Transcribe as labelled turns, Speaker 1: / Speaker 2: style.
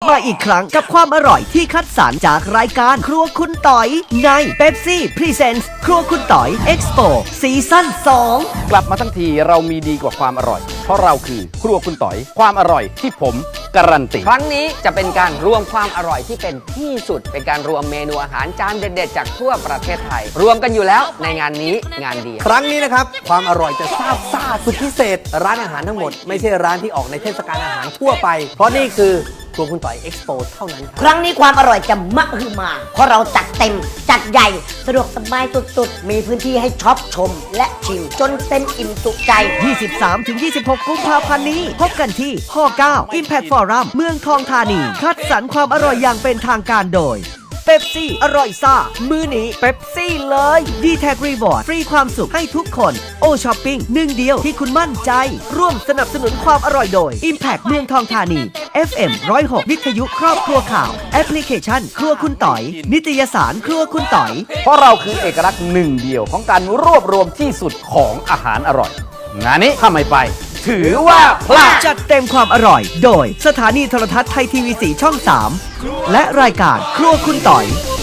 Speaker 1: มาอีกครั้งกับความอร่อยที่คัดสรรจากรายการครัวคุณต่อยใน Pepsi Presents ครัวคุณต่อย Expo ซีซั่น 2
Speaker 2: กลับมาทั้งทีเรามีดีกว่าความอร่อยเพราะเราคือครัวคุณต่อยความอร่อยที่ผมการันตี
Speaker 3: ครั้งนี้จะเป็นการรวมความอร่อยที่เป็นที่สุดเป็นการรวมเมนูอาหารจานเด็ดๆจากทั่วประเทศไทยรวมกันอยู่แล้วในงานนี้งานเดียว
Speaker 4: ครั้งนี้นะครับความอร่อยจะซาบซ่าสุดพิเศษร้านอาหารทั้งหมดไม่ใช่ร้านที่ออกในเทศกาลอาหารทั่วไปเพราะนี่คือครัวคุณต่อยเอ็กซ์โปเท่านั้น
Speaker 5: ครั้งนี้ความอร่อยจะมะฮือมาเพราะเราจัดเต็มจัดใหญ่สะดวกสบายสุดๆมีพื้นที่ให้ช็อปชมและชิมจนเต็มอิ่มจุใจ
Speaker 1: 23-26 กุมภาพันธ์นี้พบกันที่ห9 Impact Forum เมืองทองธานีคัดสรรความอร่อยอย่างเป็นทางการโดยเป๊ปซี่อร่อยซ่ามื้อนี้เป๊ปซี่เลย d t แท็กรีวอร์ดฟรีความสุขให้ทุกคนโอช้อปปิ้งหนึ่งเดียวที่คุณมั่นใจร่วมสนับสนุนความอร่อยโดย Impact เมืองทองธานี FM 106 วิทยุครอบครัวข่าวแอปพลิเคชันครัวคุณต่อยนิตยสารครัวคุณต่อย
Speaker 2: เพราะเราคือเอกลักษณ์หนึ่งเดียวของการรวบรวมที่สุดของอาหารอร่อยงานนี้ถ้าไม่ไปถือว่าพลาด
Speaker 1: จัดเต็มความอร่อยโดยสถานีโทรทัศน์ไทยทีวี4ช่อง 3 และรายการครัวคุณต่อย